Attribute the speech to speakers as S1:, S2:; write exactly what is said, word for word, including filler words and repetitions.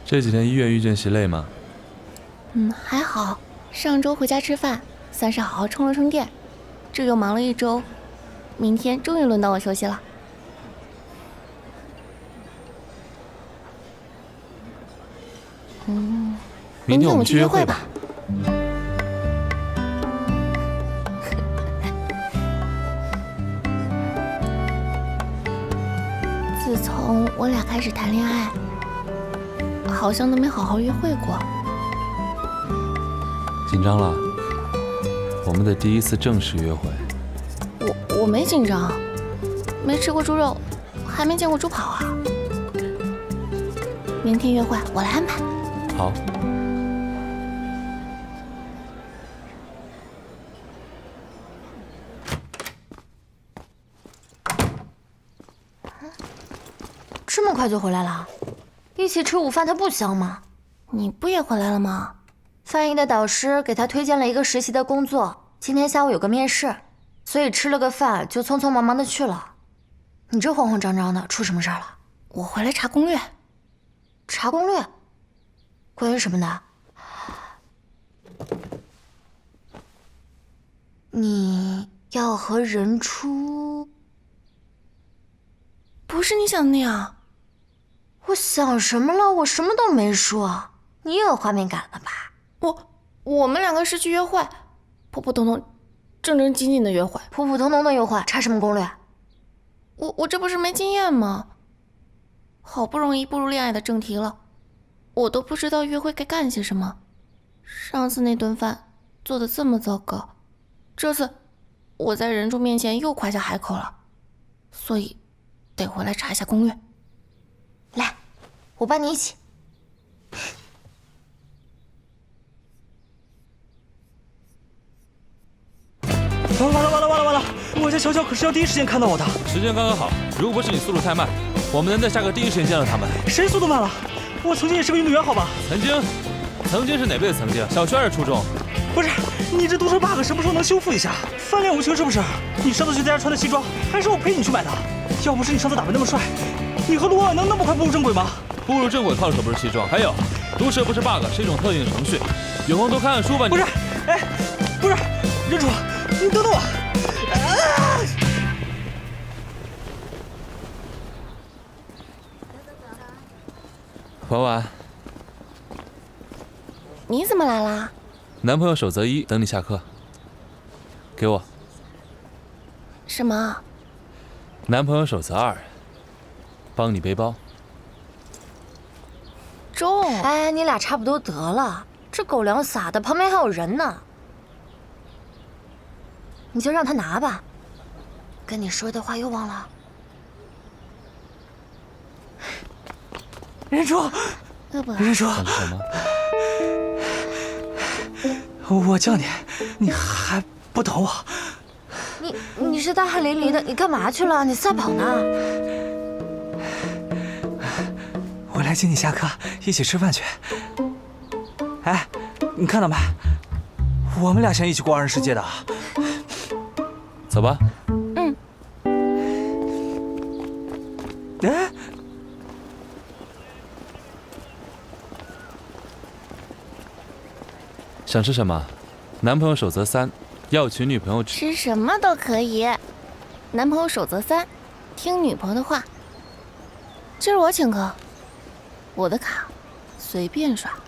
S1: 这几天医院遇见习累吗？
S2: 嗯，还好。上周回家吃饭，算是好好充了充电。这又忙了一周，明天终于轮到我休息了。嗯，
S1: 明天我们去约会吧。
S2: 自从我俩开始谈恋爱，好像都没好好约会过。
S1: 紧张了？我们的第一次正式约会。
S2: 我我没紧张，没吃过猪肉，还没见过猪跑啊。明天约会我来安排。
S1: 好。
S3: 这么快就回来了？一起吃午饭，它不香吗？
S2: 你不也回来了吗？
S3: 范毅的导师给他推荐了一个实习的工作，今天下午有个面试，所以吃了个饭就匆匆忙忙的去了。你这慌慌张张的，出什么事儿了？
S2: 我回来查攻略。
S3: 查攻略？关于什么的？你要和任初？
S2: 不是你想的那样。
S3: 我想什么了？我什么都没说。你也有画面感了吧？
S2: 我我们两个是去约会，普普通通、正正经经的约会。
S3: 普普通通的约会，查什么攻略？
S2: 我我这不是没经验吗？好不容易步入恋爱的正题了，我都不知道约会该干些什么。上次那顿饭做的这么糟糕，这次我在人柱面前又夸下海口了，所以得回来查一下攻略。
S3: 来，我帮你一起。
S4: 完了完了完了完了！我家小小可是要第一时间看到我的。
S1: 时间刚刚好，如果不是你速度太慢，我们能在下课第一时间见到他们。
S4: 谁速度慢了？我曾经也是个运动员，好吧？
S1: 曾经，曾经是哪辈子曾经？小学还是初中？
S4: 不是，你这读书 bug 什么时候能修复一下？翻脸无情是不是？你上次去在家穿的西装，还是我陪你去买的。要不是你上次打扮那么帅，你和卢婉能那么快步入正轨吗？
S1: 步入正轨靠的可不是西装，还有，毒舌不是 bug， 是一种特定的程序。有空多看看书吧。你
S4: 不是，哎，不是，任楚，你等等我。啊！
S1: 婉婉，
S2: 你怎么来啦？
S1: 男朋友守则一，等你下课。给我。
S2: 什么？
S1: 男朋友守则二，帮你背包。
S2: 重。
S3: 哎，你俩差不多得了，这狗粮撒的，旁边还有人呢。你就让他拿吧。跟你说的话又忘了。
S4: 任楚，任楚，
S1: 想吃什么？
S4: 我叫你，你还不等我？
S3: 你你是大汗淋漓的，你干嘛去了？你赛跑呢？
S4: 我来接你下课，一起吃饭去。哎，你看到没？我们俩想一起过二人世界的。
S1: 走吧。
S2: 嗯。
S4: 哎。
S1: 想吃什么？男朋友守则三，要娶女朋友
S2: 吃什么都可以。男朋友守则三，听女朋友的话。今儿我请客，我的卡随便刷。